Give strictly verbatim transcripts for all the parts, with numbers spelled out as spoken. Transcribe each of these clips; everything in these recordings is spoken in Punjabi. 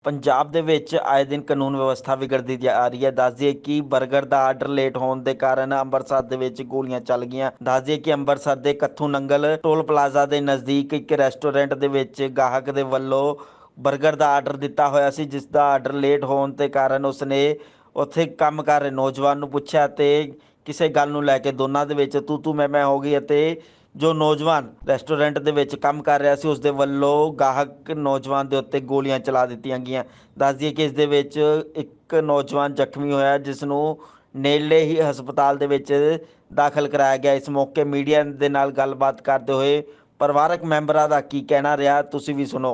ਪੰਜਾਬ ਦੇ ਵਿੱਚ ਆਏ ਦਿਨ ਕਾਨੂੰਨ ਵਿਵਸਥਾ ਵਿਗੜਦੀ ਜਾ ਰਹੀ ਹੈ। ਦੱਸ ਦਈਏ ਕਿ ਬਰਗਰ ਦਾ ਆਰਡਰ ਲੇਟ ਹੋਣ ਦੇ ਕਾਰਨ ਅੰਮ੍ਰਿਤਸਰ ਦੇ ਵਿੱਚ ਗੋਲੀਆਂ ਚੱਲ ਗਈਆਂ। ਦੱਸ ਦਈਏ ਕਿ ਅੰਮ੍ਰਿਤਸਰ ਦੇ ਕੱਥੂ ਨੰਗਲ ਟੋਲ ਪਲਾਜ਼ਾ ਦੇ ਨਜ਼ਦੀਕ ਇੱਕ ਰੈਸਟੋਰੈਂਟ ਦੇ ਵਿੱਚ ਗਾਹਕ ਦੇ ਵੱਲੋਂ ਬਰਗਰ ਦਾ ਆਰਡਰ ਦਿੱਤਾ ਹੋਇਆ ਸੀ, ਜਿਸ ਦਾ ਆਰਡਰ ਲੇਟ ਹੋਣ ਦੇ ਕਾਰਨ ਉਸਨੇ ਉੱਥੇ ਕੰਮ ਕਰ ਰਹੇ ਨੌਜਵਾਨ ਨੂੰ ਪੁੱਛਿਆ ਤੇ ਕਿਸੇ ਗੱਲ ਨੂੰ ਲੈ ਕੇ ਦੋਨਾਂ ਦੇ ਵਿੱਚ ਤੂੰ ਤੂੰ ਮੈਂ ਮੈਂ ਹੋ ਗਈ ਅਤੇ ਜੋ ਨੌਜਵਾਨ ਰੈਸਟੋਰੈਂਟ ਦੇ ਵਿੱਚ ਕੰਮ ਕਰ ਰਿਹਾ ਸੀ ਉਸ ਦੇ ਵੱਲੋਂ ਗਾਹਕ ਨੌਜਵਾਨ ਦੇ ਉੱਤੇ ਗੋਲੀਆਂ ਚਲਾ ਦਿੱਤੀਆਂ ਗਈਆਂ। ਦੱਸ ਦਈਏ ਕਿ ਇਸ ਦੇ ਵਿੱਚ ਇੱਕ ਨੌਜਵਾਨ ਜ਼ਖਮੀ ਹੋਇਆ, ਜਿਸ ਨੂੰ ਨੇੜਲੇ ਹੀ ਹਸਪਤਾਲ ਦੇ ਵਿੱਚ ਦਾਖਲ ਕਰਾਇਆ ਗਿਆ। ਇਸ ਮੌਕੇ ਮੀਡੀਆ ਦੇ ਨਾਲ ਗੱਲਬਾਤ ਕਰਦੇ ਹੋਏ ਪਰਿਵਾਰਕ ਮੈਂਬਰਾਂ ਦਾ ਕੀ ਕਹਿਣਾ ਰਿਹਾ, ਤੁਸੀਂ ਵੀ ਸੁਣੋ।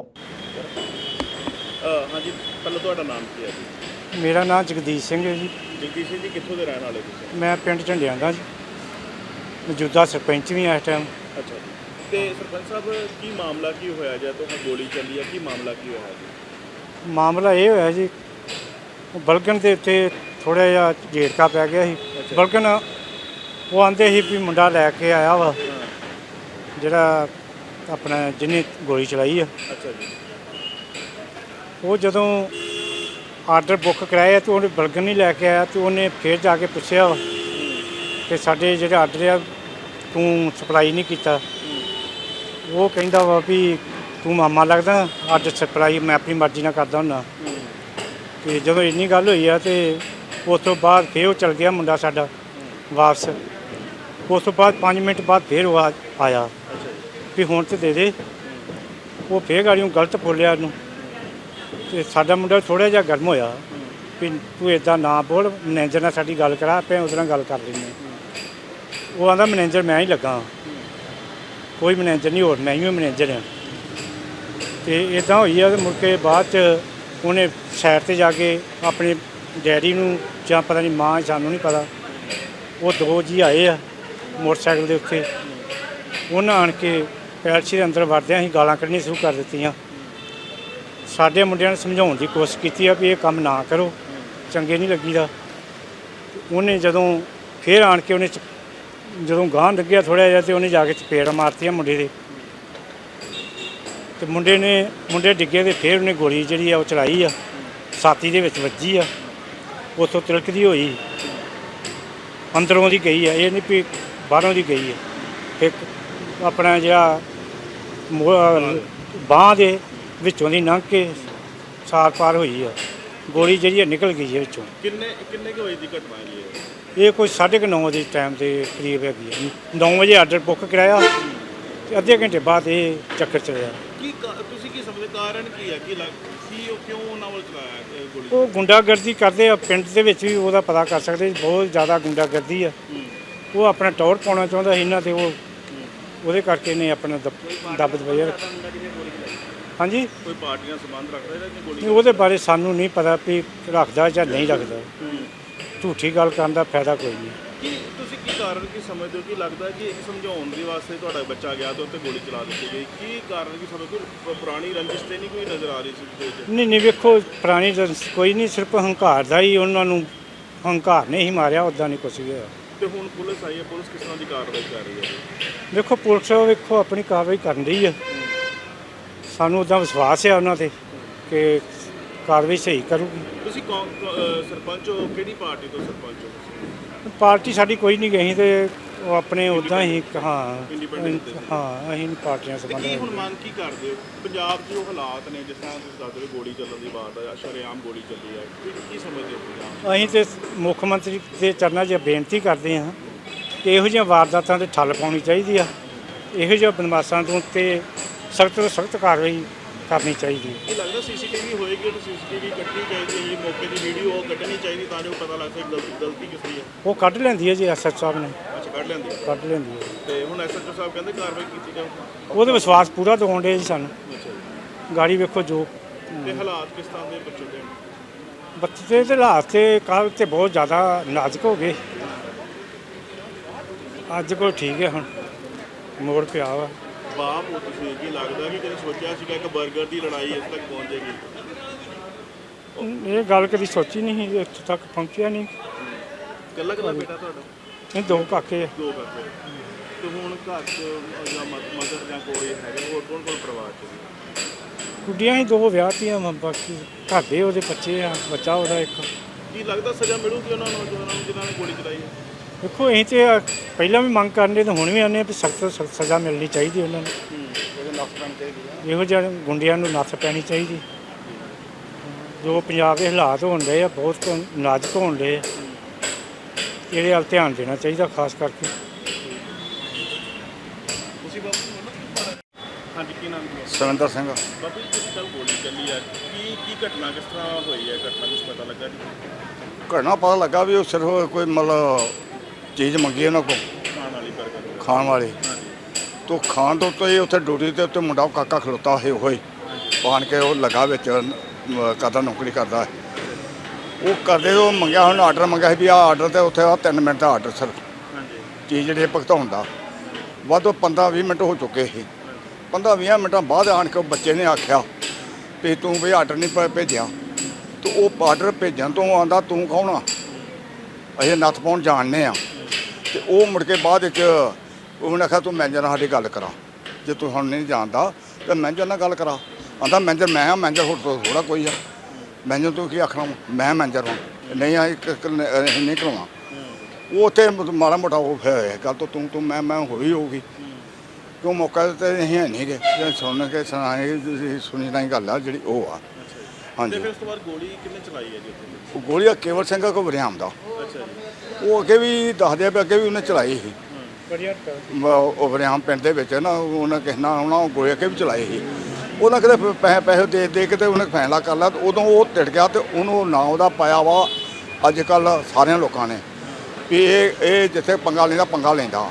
ਹਾਂਜੀ, ਪਹਿਲਾਂ ਤੁਹਾਡਾ ਨਾਮ ਕੀ ਹੈ ਜੀ? ਮੇਰਾ ਨਾਮ ਜਗਦੀਸ਼ ਸਿੰਘ ਹੈ ਜੀ। ਜਗਦੀਸ਼ ਸਿੰਘ ਜੀ, ਕਿੱਥੋਂ ਦੇ ਰਹਿਣ ਵਾਲੇ ਤੁਸੀਂ? ਮੈਂ ਪਿੰਡ ਝੰਡਿਆਂ ਦਾ ਜੀ, ਮੌਜੂਦਾ ਸਰਪੰਚ ਵੀ ਇਸ ਟਾਈਮ। ਅੱਛਾ ਜੀ, ਤੇ ਸਰਪੰਚ ਸਾਹਿਬ ਕੀ ਮਾਮਲਾ ਕੀ ਹੋਇਆ ਜਾਂ ਤੁਹਾਨੂੰ ਗੋਲੀ ਚੱਲੀ ਹੈ, ਕੀ ਮਾਮਲਾ ਕੀ ਹੋਇਆ ਜੀ? ਮਾਮਲਾ ਇਹ ਹੋਇਆ ਜੀ, ਬਲਗਨ ਦੇ ਉੱਤੇ ਥੋੜ੍ਹਾ ਜਿਹਾ ਝੇੜਕਾ ਪੈ ਗਿਆ ਸੀ। ਬਲਗਨ ਉਹ ਆਂਦੇ ਸੀ ਵੀ ਮੁੰਡਾ ਲੈ ਕੇ ਆਇਆ ਵਾ ਜਿਹੜਾ ਆਪਣਾ ਜਿਹਨੇ ਗੋਲੀ ਚਲਾਈ ਆ। ਅੱਛਾ ਜੀ। ਉਹ ਜਦੋਂ ਆਰਡਰ ਬੁੱਕ ਕਰਾਇਆ ਤੇ ਉਹਨੇ ਬਲਗਨ ਨਹੀਂ ਲੈ ਕੇ ਆਇਆ ਤੇ ਉਹਨੇ ਫਿਰ ਜਾ ਕੇ ਪੁੱਛਿਆ ਕਿ ਸਾਡੇ ਜਿਹੜੇ ਆਰਡਰ ਆ ਤੂੰ ਸਪਲਾਈ ਨਹੀਂ ਕੀਤਾ। ਉਹ ਕਹਿੰਦਾ ਵਾ ਵੀ ਤੂੰ ਮਾਮਾ ਲੱਗਦਾ, ਆਰਡਰ ਸਪਲਾਈ ਮੈਂ ਆਪਣੀ ਮਰਜ਼ੀ ਨਾਲ ਕਰਦਾ ਹੁੰਦਾ। ਅਤੇ ਜਦੋਂ ਇੰਨੀ ਗੱਲ ਹੋਈ ਆ ਤੇ ਉਸ ਤੋਂ ਬਾਅਦ ਫਿਰ ਉਹ ਚਲ ਗਿਆ ਮੁੰਡਾ ਸਾਡਾ ਵਾਪਸ। ਉਸ ਤੋਂ ਬਾਅਦ ਪੰਜ ਮਿੰਟ ਬਾਅਦ ਫਿਰ ਉਹ ਆ ਆਇਆ ਵੀ ਹੁਣ ਤਾਂ ਦੇ ਦੇ। ਉਹ ਫਿਰ ਗਾੜੀਓਂ ਗਲਤ ਬੋਲਿਆ ਉਹਨੂੰ ਅਤੇ ਸਾਡਾ ਮੁੰਡਾ ਥੋੜ੍ਹਾ ਜਿਹਾ ਗਰਮ ਹੋਇਆ ਵੀ ਤੂੰ ਇੱਦਾਂ ਨਾ ਬੋਲ, ਮੈਨੇਜਰ ਨਾਲ ਸਾਡੀ ਗੱਲ ਕਰਾ, ਆਪਾਂ ਉਹਦੇ ਨਾਲ ਗੱਲ ਕਰ ਲੈਂਦੇ। ਉਹ ਆਂਦਾ ਮੈਨੇਜਰ ਮੈਂ ਹੀ ਲੱਗਾ, ਕੋਈ ਮੈਨੇਜਰ ਨਹੀਂ, ਹੋਰ ਮੈਂ ਹੀ ਮੈਨੇਜਰ ਹਾਂ। ਅਤੇ ਇੱਦਾਂ ਹੋਈ ਆ। ਮੁੜ ਕੇ ਬਾਅਦ 'ਚ ਉਹਨੇ ਸਾਈਡ 'ਤੇ ਜਾ ਕੇ ਆਪਣੇ ਡੈਡੀ ਨੂੰ ਜਾਂ ਪਤਾ ਨਹੀਂ ਮਾਂ, ਸਾਨੂੰ ਨਹੀਂ ਪਤਾ, ਉਹ ਦੋ ਜੀ ਆਏ ਆ ਮੋਟਰਸਾਈਕਲ ਦੇ ਉੱਤੇ। ਉਹਨਾਂ ਆਣ ਕੇ ਪੈਲਸੀ ਦੇ ਅੰਦਰ ਵੜਦਿਆਂ ਅਸੀਂ ਗਾਲਾਂ ਕੱਢਣੀਆਂ ਸ਼ੁਰੂ ਕਰ ਦਿੱਤੀਆਂ। ਸਾਡੇ ਮੁੰਡਿਆਂ ਨੂੰ ਸਮਝਾਉਣ ਦੀ ਕੋਸ਼ਿਸ਼ ਕੀਤੀ ਆ ਵੀ ਇਹ ਕੰਮ ਨਾ ਕਰੋ, ਚੰਗੇ ਨਹੀਂ ਲੱਗੀਦਾ। ਉਹਨੇ ਜਦੋਂ ਫਿਰ ਆਣ ਕੇ ਉਹਨੇ ਜਦੋਂ ਗਾਂਹ ਲੱਗਿਆ ਥੋੜ੍ਹਾ ਜਿਹਾ, ਅਤੇ ਉਹਨੇ ਜਾ ਕੇ ਚਪੇੜ ਮਾਰਤੀਆਂ ਮੁੰਡੇ ਦੇ, ਅਤੇ ਮੁੰਡੇ ਨੇ ਮੁੰਡੇ ਡਿੱਗੇ ਅਤੇ ਫਿਰ ਉਹਨੇ ਗੋਲੀ ਜਿਹੜੀ ਆ ਉਹ ਚਲਾਈ ਆ, ਛਾਤੀ ਦੇ ਵਿੱਚ ਵੱਜੀ ਆ। ਉੱਥੋਂ ਤਿਲਕਦੀ ਹੋਈ ਅੰਦਰੋਂ ਦੀ ਗਈ ਆ, ਇਹ ਨਹੀਂ ਵੀ ਬਾਹਰੋਂ ਦੀ ਗਈ ਆ। ਇੱਕ ਆਪਣਾ ਜਿਹੜਾ ਬਾਂਹ ਦੇ ਵਿੱਚੋਂ ਦੀ ਲੰਘ ਕੇ ਸਾਰ ਪਾਰ ਹੋਈ ਆ, ਗੋਲੀ ਜਿਹੜੀ ਆ ਨਿਕਲ ਗਈ ਹੈ ਵਿੱਚੋਂ। ਕਿੰਨੇ ਕਿੰਨੇ ਕੁ ਵਜੇ ਦੀ ਘਟਨਾ ਜੀ ਇਹ? ਇਹ ਕੋਈ ਸਾਢੇ ਕੁ ਨੌ ਦੇ ਟਾਈਮ ਦੇ ਕਰੀਬ ਹੈਗੀ ਆ। ਨੌ ਵਜੇ ਆਰਡਰ ਬੁੱਕ ਕਰਾਇਆ ਅਤੇ ਅੱਧੇ ਘੰਟੇ ਬਾਅਦ ਇਹ ਚੱਕਰ ਚੱਲਿਆ। ਕੀ ਤੁਸੀਂ ਕੀ ਸਮਝਦੇ ਕਾਰਨ ਕੀ ਹੈ, ਕੀ ਲੱਗ ਕੀ ਉਹ ਕਿਉਂ ਉਹਨਾਂ ਵੱਲ ਚਲਾਇਆ ਗੋਲੀ? ਉਹ ਗੁੰਡਾਗਰਦੀ ਕਰਦੇ ਆ ਪਿੰਡ ਦੇ ਵਿੱਚ ਵੀ, ਉਹਦਾ ਪਤਾ ਕਰ ਸਕਦੇ। ਬਹੁਤ ਜ਼ਿਆਦਾ ਗੁੰਡਾਗਰਦੀ ਆ। ਉਹ ਆਪਣਾ ਟੌਰ ਪਾਉਣਾ ਚਾਹੁੰਦਾ ਸੀ ਇਹਨਾਂ 'ਤੇ, ਉਹ ਉਹਦੇ ਕਰਕੇ ਨੇ ਆਪਣਾ ਦੱਬ ਦਬਾਇਆ। ਹਾਂਜੀ, ਕੋਈ ਪਾਰਟੀਆਂ ਸੰਬੰਧ ਰੱਖਦਾ ਇਹਦਾ ਕਿ ਗੋਲੀ? ਉਹਦੇ ਬਾਰੇ ਸਾਨੂੰ ਨਹੀਂ ਪਤਾ ਵੀ ਰੱਖਦਾ ਜਾਂ ਨਹੀਂ ਰੱਖਦਾ। ਝੂਠੀ ਗੱਲ ਕਰਨ ਦਾ ਫਾਇਦਾ ਕੋਈ ਨਹੀਂ। ਕੀ ਤੁਸੀਂ ਕੀ ਕਾਰਨ ਕੀ ਸਮਝਦੇ ਹੋ? ਕੀ ਲੱਗਦਾ ਕਿ ਇੱਕ ਸਮਝਾਉਣ ਦੇ ਵਾਸਤੇ ਤੁਹਾਡਾ ਬੱਚਾ ਗਿਆ ਤੇ ਉੱਤੇ ਗੋਲੀ ਚਲਾ ਦਿੱਤੀ ਗਈ? ਕੀ ਕਾਰਨ ਕੀ ਸਮਝਦੇ ਹੋ? ਪੁਰਾਣੀ ਰੰਜਿਸ਼ ਤੇ ਨਹੀਂ ਕੋਈ ਨਜ਼ਰ ਆ ਰਹੀ ਸੀ? ਨਹੀਂ ਨਹੀਂ, ਵੇਖੋ ਪੁਰਾਣੀ ਰੰਜਿਸ਼ ਕੋਈ ਨਹੀਂ, ਸਿਰਫ ਹੰਕਾਰ ਦਾ ਹੀ ਉਹਨਾਂ ਨੂੰ ਹੰਕਾਰ ਨੇ ਹੀ ਮਾਰਿਆ, ਉੱਦਾਂ ਨਹੀਂ ਕੁਛ ਵੀ ਹੋਇਆ। ਤੇ ਹੁਣ ਪੁਲਿਸ ਆਈ ਹੈ, ਪੁਲਿਸ ਕਿਸ ਤਰ੍ਹਾਂ ਦੀ ਕਾਰਵਾਈ ਕਰ ਰਹੀ ਹੈ? ਵੇਖੋ ਪੁਲਿਸ ਵੇਖੋ ਆਪਣੀ ਕਾਰਵਾਈ ਕਰਨ ਰਹੀ ਹੈ। ਸਾਨੂੰ ਉੱਦਾਂ ਵਿਸ਼ਵਾਸ ਹੈ ਉਹਨਾਂ 'ਤੇ ਕਿ ਕਾਰਵਾਈ ਸਹੀ ਕਰੂਗੀ। ਤੁਸੀਂ ਸਰਪੰਚ ਹੋ, ਕਿਹੜੀ ਪਾਰਟੀ ਤੋਂ ਸਰਪੰਚ ਹੋ? ਪਾਰਟੀ ਸਾਡੀ ਕੋਈ ਨਹੀਂ ਗਈ, ਅਤੇ ਉਹ ਆਪਣੇ ਉੱਦਾਂ ਹੀ ਹਾਂ ਹਾਂ ਅਸੀਂ ਪਾਰਟੀਆਂ ਸੰਬੰਧ। ਕੀ ਹੁਣ ਮੰਗ ਕੀ ਕਰਦੇ ਹੋ? ਪੰਜਾਬ 'ਚ ਜੋ ਹਾਲਾਤ ਨੇ, ਜਿਸ ਤਰ੍ਹਾਂ ਤੁਸੀਂ ਦੱਸਦੇ ਹੋ ਗੋਲੀ ਚੱਲਣ ਦੀ ਬਾਤ ਹੈ, ਸ਼ਰੇਆਮ ਗੋਲੀ ਚੱਲੀ ਹੈ, ਕੀ ਸਮਝਦੇ ਹੋ ਪੰਜਾਬ? ਅਸੀਂ ਤਾਂ ਮੁੱਖ ਮੰਤਰੀ ਦੇ ਚਰਨਾਂ 'ਚ ਬੇਨਤੀ ਕਰਦੇ ਹਾਂ ਕਿ ਇਹੋ ਜਿਹੀਆਂ ਵਾਰਦਾਤਾਂ 'ਤੇ ਠੱਲ ਪਾਉਣੀ ਚਾਹੀਦੀ ਆ। ਇਹੋ ਜਿਹੇ ਬਦਮਾਸ਼ਾਂ ਤੋਂ ਤੇ ਸਖਤ ਤੋਂ ਸਖਤ ਕਾਰਵਾਈ ਕਰਨੀ ਚਾਹੀਦੀ ਹੈ। ਕੀ ਲੱਗਦਾ ਸੀ ਸੀ ਟੀ ਵੀ ਹੋਏਗੀ ਤਾਂ ਸੀ ਸੀ ਟੀ ਵੀ ਕੱਢਣੀ ਚਾਹੀਦੀ ਹੈ, ਮੌਕੇ ਦੀ ਵੀਡੀਓ ਉਹ ਕੱਢਣੀ ਚਾਹੀਦੀ ਤਾਂ ਜੋ ਪਤਾ ਲੱਗ ਸਕੇ ਗਲਤੀ ਗਲਤੀ ਕਿਸ ਦੀ ਹੈ? ਉਹ ਕੱਢ ਲੈਂਦੀ ਹੈ ਜੀ ਐਸ ਐਚ ਸਾਹਿਬ ਨੇ। ਅੱਛਾ, ਕੱਢ ਲੈਂਦੀ ਹੈ। ਕੱਢ ਲੈਂਦੀ ਹੈ। ਤੇ ਹੁਣ ਐਸ ਐਚ ਓ ਸਾਹਿਬ ਕਹਿੰਦੇ ਕਾਰਵਾਈ ਕੀਤੀ ਜਾਊ? ਉਹਦੇ ਵਿਸ਼ਵਾਸ ਪੂਰਾ ਦਿਵਾਉਣ ਡੇ ਜੀ ਸਾਨੂੰ। ਅੱਛਾ ਜੀ। ਗਾੜੀ ਵੇਖੋ ਜੋ ਤੇ ਹਾਲਾਤ ਕਿਸ ਤਰ੍ਹਾਂ ਦੇ ਬੱਚੇ ਦੇ? ਬੱਚੇ ਦੇ ਹਾਲਾਤ ਤੇ ਕੱਲ੍ਹ ਤੇ ਬਹੁਤ ਜ਼ਿਆਦਾ ਨਾਜ਼ੁਕ ਹੋ ਗਏ, ਅੱਜ ਕੋਲ ਠੀਕ ਹੈ, ਹੁਣ ਮੋੜ ਪਿਆ ਵਾ। ਬਾਪ ਹੋ ਤੁਸੀਂ, ਕੀ ਲੱਗਦਾ ਕਿ ਕਦੇ ਸੋਚਿਆ ਸੀਗਾ ਇੱਕ ਬਰਗਰ ਦੀ ਲੜਾਈ ਇਸ ਤੱਕ ਪਹੁੰਚ ਜਾਏਗੀ? ਇਹ ਗੱਲ ਕਦੀ ਸੋਚੀ ਨਹੀਂ ਸੀ, ਇੱਥੇ ਤੱਕ ਪਹੁੰਚਿਆ ਨਹੀਂ। ਇਕੱਲਾ ਇਕੱਲਾ ਬੇਟਾ ਤੁਹਾਡਾ? ਇਹ ਦੋ ਕਾਕੇ ਆ। ਦੋ ਕਾਕੇ। ਤੇ ਹੁਣ ਘਰ 'ਚ ਜਾਂ ਮਦਰ ਜਾਂ ਕੋਈ ਹੈਗੇ, ਹੋਰ ਕੌਣ ਕੌਣ ਪਰਿਵਾਰ 'ਚ? ਗੁੱਡੀਆਂ ਹੀ ਦੋ ਵਿਆਹਤੀਆਂ ਵਾ, ਬਾਕੀ ਘਰ ਦੇ ਉਹਦੇ ਬੱਚੇ ਆ, ਬੱਚਾ ਉਹਦਾ ਇੱਕ। ਕੀ ਲੱਗਦਾ ਸਜ਼ਾ ਮਿਲੂਗੀ ਉਹਨਾਂ ਨੌਜਵਾਨਾਂ ਨੂੰ ਜਿਨ੍ਹਾਂ ਨੇ ਗੋਲੀ ਚਲਾਈ ਹੈ? ਦੇਖੋ ਅਸੀਂ ਤੇ ਪਹਿਲਾਂ ਵੀ ਮੰਗ ਕਰਨੇ ਤੇ ਹੁਣ ਵੀ ਆਨੇ ਵੀ ਸਖਤ ਸਖਤ ਸਜ਼ਾ ਮਿਲਣੀ ਚਾਹੀਦੀ ਉਹਨਾਂ ਨੂੰ। ਇਹੋ ਜਿਹੇ ਗੁੰਡਿਆਂ ਨੂੰ ਨੱਥ ਪੈਣੀ ਚਾਹੀਦੀ। ਜੋ ਪੰਜਾਬ ਦੇ ਹਾਲਾਤ ਹੋਣ ਡਏ ਆ ਬਹੁਤ ਨਾਜ਼ੁਕ ਹੋਣ ਡਏ ਆ, ਇਹਦੇ ਵੱਲ ਧਿਆਨ ਦੇਣਾ ਚਾਹੀਦਾ ਖਾਸ ਕਰਕੇ। ਤੁਸੀਂ ਬਾਬੂ ਹਾਂਜੀ ਕੀ ਨਾਮ ਹੈ? ਸੁਰਿੰਦਰ ਸਿੰਘ। ਬਾਬੂ ਜੀ ਜਿਹੜੀ ਕੱਲ ਗੋਲੀ ਚੱਲੀ ਹੈ ਕੀ ਕੀ ਘਟਨਾ ਕਿਸ ਤਰ੍ਹਾਂ ਹੋਈ ਹੈ? ਘਟਨਾ ਕੁਛ ਪਤਾ ਲੱਗਾ ਜੀ? ਘਟਨਾ ਪਤਾ ਲੱਗਾ ਵੀ ਉਹ ਸਿਰਫ ਕੋਈ ਮਤਲਬ ਚੀਜ਼ ਮੰਗੀ ਉਹਨਾਂ ਕੋਲ ਖਾਣ ਵਾਲੀ ਬਰਗਰ ਖਾਣ ਵਾਲੀ, ਹਾਂਜੀ ਤੋਂ ਖਾਣ ਤੋਂ ਉੱਤੇ ਉੱਥੇ ਡਿਊਟੀ ਤੇ ਉੱਤੇ ਮੁੰਡਾ ਕਾਕਾ ਖਲੋਤਾ ਹੋਏ ਹੋਏ ਪਾਣ ਕੇ ਉਹ ਲੱਗਾ ਵਿੱਚ ਅਮ, ਕਰਦਾ ਨੌਕਰੀ ਕਰਦਾ ਹੈ। ਉਹ ਕਰਦੇ ਉਹ ਮੰਗਿਆ ਹੁਣ ਆਰਡਰ ਮੰਗਿਆ ਸੀ ਵੀ ਆਹ ਆਰਡਰ ਤੇ ਉੱਥੇ ਆ ਤਿੰਨ ਮਿੰਟ ਦਾ ਆਰਡਰ ਸਰ ਹਾਂਜੀ ਚੀਜ਼ ਜਿਹੜੀ ਭੁਗਤਾਉਣ ਦਾ ਵੱਧ ਪੰਦਰਾਂ ਵੀਹ ਮਿੰਟ ਹੋ ਚੁੱਕੇ ਸੀ। ਪੰਦਰਾਂ ਵੀਹ ਮਿੰਟਾਂ ਬਾਅਦ ਆਣ ਕੇ ਉਹ ਬੱਚੇ ਨੇ ਆਖਿਆ ਵੀ ਤੂੰ ਵੀ ਆਰਡਰ ਨਹੀਂ ਭੇ- ਭੇਜਿਆ। ਤੇ ਉਹ ਆਰਡਰ ਭੇਜਣ ਤੋਂ ਆਂਦਾ ਤੂੰ ਕੌਣ ਆ, ਅਸੀਂ ਨੱਥ ਪਾਉਣ ਜਾਣਦੇ ਆ। ਤੇ ਉਹ ਮੁੜ ਕੇ ਬਾਅਦ ਵਿੱਚ ਉਹਨੇ ਆਖਿਆ ਤੂੰ ਮੈਨੇਜਰ ਨਾਲ ਸਾਡੀ ਗੱਲ ਕਰਾ, ਜੇ ਤੂੰ ਹੁਣ ਨਹੀਂ ਜਾਣਦਾ ਤਾਂ ਮੈਨੇਜਰ ਨਾਲ ਗੱਲ ਕਰਾ। ਆਂਦਾ ਮੈਨੇਜਰ ਮੈਂ ਆ, ਮੈਨੇਜਰ ਹੋਰ ਤੋਂ ਥੋੜਾ ਕੋਈ ਆ, ਮੈਨੇਜਰ ਤੂੰ ਕੀ ਆਖਣਾ ਵਾ? ਮੈਂ ਮੈਨੇਜਰ ਹਾਂ, ਨਹੀਂ ਆ ਇੱਕ ਇੱਕ ਨ- ਅਸੀਂ ਨਹੀਂ ਕਰਾਉਣਾ। ਉਹ ਉੱਥੇ ਮਾੜਾ ਮੋਟਾ ਉਹ ਫਿਰ ਗੱਲ ਤੋਂ ਤੂੰ ਤੂੰ ਮੈਂ ਮੈਂ ਹੋਈ ਹੋਊਗੀ ਕਿਉਂ ਮੌਕਾ ਤੇ ਅਸੀਂ ਹੈ ਨਹੀਂ ਗੇ ਜੇ ਸੁਣ ਕੇ ਸੁਣਾਏ ਤੁਸੀਂ ਸੁਣੀ ਨਹੀਂ ਗੱਲ ਆ ਜਿਹੜੀ ਉਹ ਆ। ਤੇ ਹਾਂਜੀ ਫਿਰ ਉਸ ਤੋਂ ਬਾਅਦ ਗੋਲੀ ਕਿੰਨੇ ਚਲਾਈ ਹੈ ਜੀ ਉੱਥੇ? ਉਹ ਗੋਲੀ ਆ ਕੇਵਲ ਸਿੰਘ ਕੋ ਵਰਿਆਮ ਦਾ, ਅੱਛਾ ਜੀ ਉਹ ਅੱਗੇ ਵੀ ਦੱਸਦੇ ਆ ਵੀ ਅੱਗੇ ਵੀ ਉਹਨੇ ਚਲਾਈ ਸੀ। ਬੜੀਆ ਮ- ਉਹ ਵਰਿਆਮ ਪਿੰਡ ਦੇ ਵਿੱਚ ਨਾ ਉਹਨਾਂ ਕਿਸੇ ਨਾਲ ਆਉਣਾ ਉਹ ਗੋਲੀ ਅੱਗੇ ਵੀ ਚਲਾਈ ਸੀ। ਉਹਨਾਂ ਕਿਤੇ ਪੈਸੇ ਪੈਸੇ ਦੇ ਦੇ ਕੇ ਤੇ ਉਹਨੇ ਫੈਸਲਾ ਕਰ ਲਿਆ ਤੇ ਉਦੋਂ ਉਹ ਟਿੜ ਗਿਆ ਤੇ ਉਹਨੂੰ ਨਾਂ ਉਹਦਾ ਪਾਇਆ ਵਾ ਅੱਜ ਕੱਲ੍ਹ ਸਾਰਿਆਂ ਲੋਕਾਂ ਨੇ ਵੀ ਇਹ ਇਹ ਜਿੱਥੇ ਪੰਗਾ ਲੈਂਦਾ ਪੰਗਾ ਲੈਂਦਾ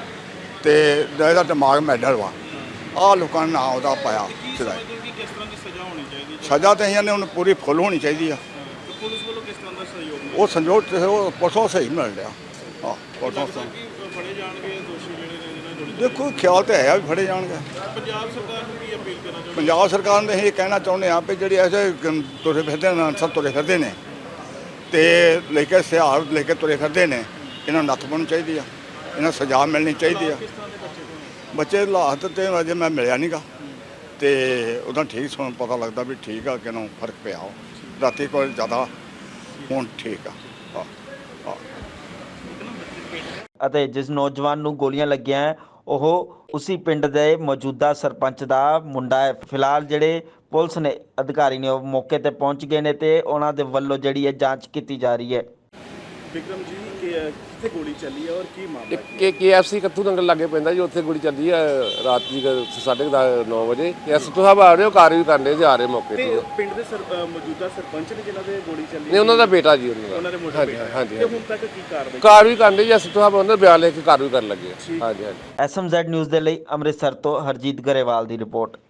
ਤੇ ਇਹਦਾ ਦਿਮਾਗ ਮੈਡਲ ਵਾ। ਆਹ ਲੋਕਾਂ ਨੇ ਨਾਂ ਉਹਦਾ ਪਾਇਆ ਚਲਾਈ। ਕਿ ਕਿਸ ਤਰ੍ਹਾਂ ਦੀ ਸਜ਼ਾ ਹੋਣੀ ਚਾਹੀਦੀ ਹੈ? ਸਜ਼ਾ ਤਾਂ ਇਹਨਾਂ ਨੇ ਉਹਨੂੰ ਪੂਰੀ ਫੁੱਲ ਹੋਣੀ ਚਾਹੀਦੀ ਆ। ਤੇ ਪੁਲਿਸ ਵੱਲੋਂ ਕਿਸ ਤਰ੍ਹਾਂ ਦਾ ਸਹਿਯੋਗ ਮਿਲਿਆ? ਉਹ ਸੰਜੋਗ ਤੇ ਉਹ ਪਰਸੋਂ ਸਹੀ ਮਿਲ ਰਿਹਾ। ਹਾਂ ਪਰਸੋਂ ਲੱਗਦਾ ਸਹੀ। ਕਿ ਫੜੇ ਜਾਣਗੇ ਦੋਸ਼ੀ ਜਿਹੜੇ ਨੇ ਜਿਹਨਾਂ ਨੇ ਗੋਲੀ ਦੇਖੋ ਖਿਆਲ ਤੇ ਹੈ ਵੀ ਫੜੇ ਜਾਣਗੇ। ਚਲਾਈ? ਪੰਜਾਬ ਸਰਕਾਰ ਨੂੰ ਕੀ ਅਪੀਲ ਕਰਨਾ ਚਾਹੁੰਦੇ? ਪੰਜਾਬ ਸਰਕਾਰ ਨੇ ਇਹ ਕਹਿਣਾ ਚਾਹੁੰਦੇ ਆ ਵੀ ਜਿਹੜੀ ਐਸੇ ਗ- ਤੁਰੇ ਫਿਰਦੇ ਨੇ ਅਨਸਰ ਤੁਰੇ ਫਿਰਦੇ ਨੇ ਤੇ ਲੈ ਕੇ ਹਥਿਆਰ ਲੈ ਕੇ ਤੁਰੇ ਫਿਰਦੇ ਨੇ, ਇਹਨਾਂ ਨੂੰ ਨੱਥ ਪਾਉਣੀ ਚਾਹੀਦੀ ਆ, ਇਹਨਾਂ ਨੂੰ ਸਜ਼ਾ ਮਿਲਣੀ ਚਾਹੀਦੀ ਆ। ਕਿਸ ਤਰ੍ਹਾਂ ਦੇ ਬੱਚੇ ਤੋਂ? ਬੱਚੇ ਹਾਲਾਤ ਤੇ ਅਜੇ ਮੈਂ ਮਿਲਿਆ ਨਹੀਂਗਾ ਤੇ ਉਹਦਾ ਠੀਕ ਸੁਣ ਪਤਾ ਲੱਗਦਾ ਵੀ ਠੀਕ ਆ ਕਿ ਨੂੰ ਫਰਕ ਪਿਆ। ਉਹ ਰਾਤੀ ਕੋਲ ਜ਼ਿਆਦਾ ਹੁਣ ਠੀਕ ਆ। ਹਾਂ ਹਾਂ ਅਤੇ ਜਿਸ ਨੌਜਵਾਨ ਨੂੰ ਗੋਲੀਆਂ ਲੱਗੀਆਂ ਹੈ, ਉਹ ਉਸੇ ਪਿੰਡ ਦੇ ਮੌਜੂਦਾ ਸਰਪੰਚ ਦਾ ਮੁੰਡਾ ਹੈ। ਫਿਲਹਾਲ ਜਿਹੜੇ ਪੁਲਿਸ ਨੇ ਅਧਿਕਾਰੀ ਨੇ ਉਹ ਮੌਕੇ ਤੇ ਪਹੁੰਚ ਗਏ ਨੇ ਤੇ ਉਹਨਾਂ ਦੇ ਵੱਲੋਂ ਜਿਹੜੀ ਹੈ ਜਾਂਚ ਕੀਤੀ ਜਾ ਰਹੀ ਹੈ। ਵਿਕਰਮ ਜੀ ਕਿ ਕਿੱਥੇ ਗੋਲੀ ਚੱਲੀ ਹੈ ਔਰ ਕੀ ਮਾਮਲਾ ਇੱਕ K K F C Kathu Nangal ਲਾਗੇ ਪੈਂਦਾ ਜੀ, ਉੱਥੇ ਗੋਲੀ ਚੱਲੀ ਆ ਰਾਤ ਦੀ ਸਾਢੇ ਨੌ ਵਜੇ। ਐਸ ਤੋਂ ਸਾਹਿਬ ਆ ਰਹੇ ਹੋ, ਕਾਰ ਵੀ ਕਰਨੇ ਜੀ, ਆ ਰਹੇ ਮੌਕੇ ਤੇ ਤੇ। ਪਿੰਡ ਦੇ ਸਰ- ਅ, ਮੌਜੂਦਾ ਸਰਪੰਚ ਨੇ ਜਿਨ੍ਹਾਂ ਦੇ ਗੋਲੀ ਚੱਲੀ ਨਹੀਂ ਉਹਨਾਂ ਦਾ ਬੇਟਾ ਜੀ ਉਹਨਾਂ ਉਹਨਾਂ ਦੇ ਦਾ। ਮੋਟਰ ਹਾਂਜੀ ਬੇਟਾ ਹੈ। ਹਾਂਜੀ ਤੇ ਹੁਣ ਤੱਕ ਕੀ ਕਾਰਵਾਈ? ਕਾਰ ਵੀ ਕਰਨੇ ਜੀ, ਐਸ ਤੋਂ ਸਾਹਿਬ ਉਹਨਾਂ ਦਾ ਬਿਆਨ ਲੈ ਕੇ ਕਾਰ ਵੀ ਕਰਨ ਲੱਗੇ ਆ। ਹਾਂਜੀ ਹਾਂਜੀ। ਐਸ ਐਮ ਜ਼ੈਡ ਨਿਊਜ਼ ਦੇ ਲਈ ਅੰਮ੍ਰਿਤਸਰ ਤੋਂ ਹਰਜੀਤ ਗਰੇਵਾਲ ਦੀ ਰਿਪੋਰਟ।